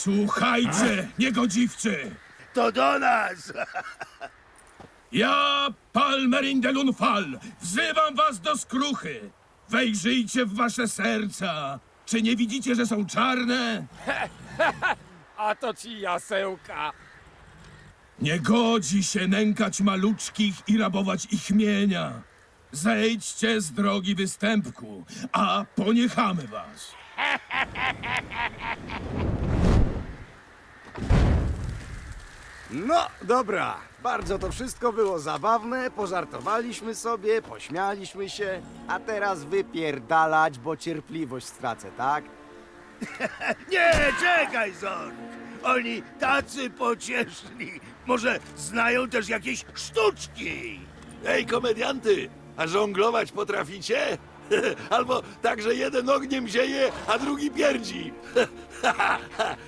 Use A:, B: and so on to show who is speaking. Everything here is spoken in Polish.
A: Słuchajcie, niegodziwcy!
B: To do nas!
A: Ja, Palmerin de Lunfal, wzywam was do skruchy! Wejrzyjcie w wasze serca! Czy nie widzicie, że są czarne?
C: A to ci jasełka.
A: Nie godzi się nękać maluczkich i rabować ich mienia. Zejdźcie z drogi występku, a poniechamy was.
D: No, dobra. Bardzo to wszystko było zabawne, pożartowaliśmy sobie, pośmialiśmy się, a teraz wypierdalać, bo cierpliwość stracę, tak?
B: Nie, czekaj, Zork! Oni tacy pocieszni. Może znają też jakieś sztuczki?
E: Ej, komedianty, a żonglować potraficie? Albo tak, że jeden ogniem zieje, a drugi pierdzi.